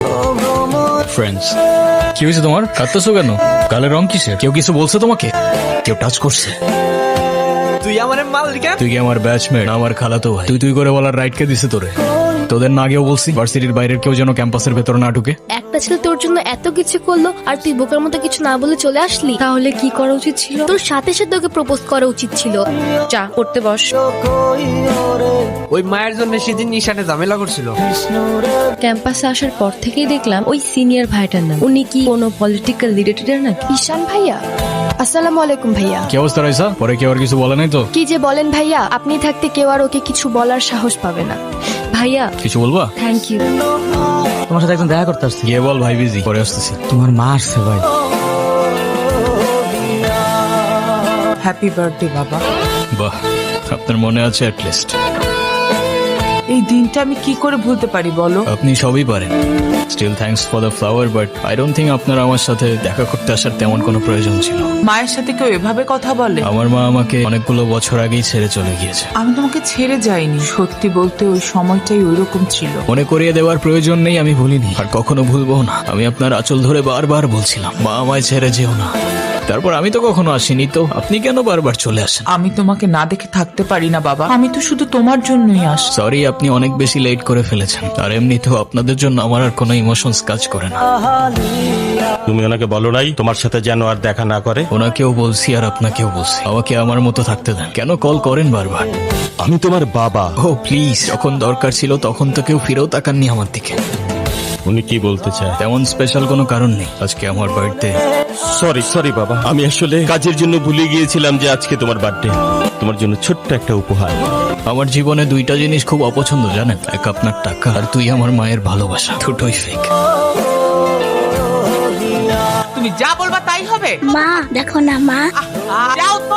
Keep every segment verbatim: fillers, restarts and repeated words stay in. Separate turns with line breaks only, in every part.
Friends, কি হয়েছে তোমার? কাঁদতেছো কেন? গালের রং কিসের? কেউ কিছু বলছে তোমাকে? কেউ টাচ করছে?
তুই আমার মাল কেন?
তুই কি আমার ব্যাচমেট? আমার খালাতো ভাই। তুই তুই করে বলার রাইট কে দিছে তোরে? তোদের না আগেও বলছি ভার্সিটির বাইরের কেউ যেন ক্যাম্পাসের ভেতর না ঢুকে।
একটা ছেলে তোর জন্য এত কিছু করলো আর তুই বোকার মতো কিছু না বলে চলে আসলি।
তাহলে কি করা উচিত ছিল?
তোর সাথে সাথে ওকে প্রপোজ করা উচিত ছিল।
চা করতে বস।
ওই মায়ের জন্য সেদিন নিশানে ঝামেলা করছিল।
ক্যাম্পাসে আসার পর থেকেই দেখলাম ওই সিনিয়র ভাইটার নাম। উনি কি কোনো পলিটিক্যাল রিলেটেড নাকি?
ঈশান ভাইয়া, আসসালামু আলাইকুম ভাইয়া।
কি অবস্থা রাইসা? পরে কেউ আর কিছু বলে নাই তো?
কি যে বলেন ভাইয়া, আপনি থাকতে কেউ আর ওকে কিছু বলার সাহস পাবে না।
ভাইয়া
কিছু বলবা?
Thank you.
তোমার সাথে একজন দেখা করতে আসছে।
গিয়ে বল ভাই বিজি, পরে আসতেছি।
তোমার মা আসছে ভাই।
হ্যাপি বার্থডে বাবা।
বাহ, আপনার মনে আছে অ্যাটলিস্ট।
এই দিনটা আমি কি করে ভুলতে পারি বলো?
আপনি সবই পারেন। Still thanks for the flower, but I don't think আপনার আমার সাথে দেখা করতে আসার তেমন কোনো প্রয়োজন ছিল।
মায়ের সাথে কেউ এভাবে কথা বলে?
আমার মা আমাকে অনেকগুলো বছর আগেই ছেড়ে চলে গিয়েছে।
আমি তোমাকে ছেড়ে যাইনি, সত্যি বলতে ওই সময়টাই ওইরকম ছিল।
মনে করিয়ে দেওয়ার প্রয়োজন নেই, আমি ভুলিনি আর কখনো ভুলবো না। আমি আপনার আঁচল ধরে বারবার বলছিলাম, মা আমায় ছেড়ে যেও না। তারপর আমি তো কখনো আসিনি, তো আপনি কেন বারবার চলে আসেন?
আমি তোমাকে না দেখে থাকতে পারি না বাবা, আমি তো শুধু তোমার জন্যই আস।
সরি, আপনি অনেক বেশি লেট করে ফেলেছেন। আর এমনিতেও আপনাদের জন্য আমার আর কোনো ইমোশনস কাজ করে না।
তুমি ওনাকে বলো নাই তোমার সাথে যেন আর দেখা না করে?
ওনাকেও বলছি আর আপনাকেও বলছি, আমাকে আমার মতো থাকতে দেন। কেন কল করেন বারবার?
আমি তোমার বাবা।
ও প্লিজ, যখন দরকার ছিল তখন তো কেউ ফিরেও তাকাননি আমার দিকে।
উনি কি বলতে চায়?
তেমন স্পেশাল কোনো কারণ নেই, আজকে আমার বার্থডে।
সরি সরি বাবা, আমি আসলে কাজের জন্য ভুলে গিয়েছিলাম যে আজকে তোমার বার্থডে। তোমার জন্য ছোট্ট একটা উপহার।
আমার জীবনে দুইটা জিনিস খুব অপছন্দ জানেন, এক আপনার টাকা আর তুই আমার মায়ের ভালোবাসা। দুটোই ফেক।
তুমি যা বলবা তাই হবে।
মা দেখো না মা।
যাও তো।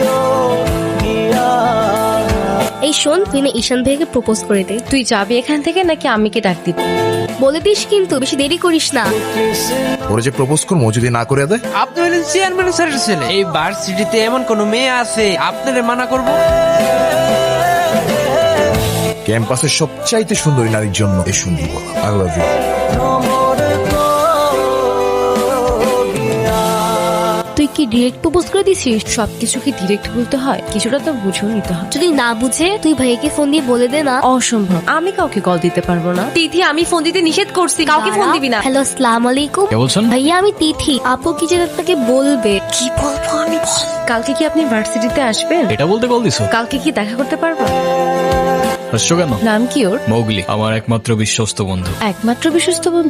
এই শোন, তুই না ঈশান ভাইকে প্রপোজ করে দে।
তুই যাবি এখান থেকে নাকি আমি কে ডাক দিব?
বলে দিস কিন্তু, বেশি দেরি করিস না।
ওরা যে প্রপোজ করবো যদি না করে দেয়?
আপনি হলেন চেয়ারম্যান স্যারের ছেলে। এই ভার্সিটিতে এমন কোন মেয়ে আছে আপনারে মানা করব?
ক্যাম্পাসের সবচাইতে সুন্দরী নারীর জন্য এই সুন্দর আই লাভ ইউ।
তুই কি ডিরেক্ট প্রপোজ করে দিছিস?
সবকিছু কি ডিরেক্ট বলতে হয়? কিছুটা তো বুঝেও নিতে হয়।
যদি না বুঝে তুই ভাইকে ফোন দিয়ে বলে দে না।
অসম্ভব, আমি কাউকে কল দিতে পারবো না। তিথি, আমি ফোন দিতে নিষেধ করছি, কাউকে ফোন দিবি না।
হ্যালো, আসসালামু আলাইকুম।
কে বলছেন?
ভাইয়া আমি তিথি। আপু কি যেন আপনাকে বলবে। কি বলবো আমি?
কালকে কি আপনি ভার্সিটিতে আসবেন?
এটা বলতে কল দিছো?
কালকে কি দেখা করতে পারবো?
হাসছো কেন?
নাম কি ওর?
মৌগলি, আমার একমাত্র বিশ্বস্ত বন্ধু।
একমাত্র বিশ্বস্ত বন্ধু?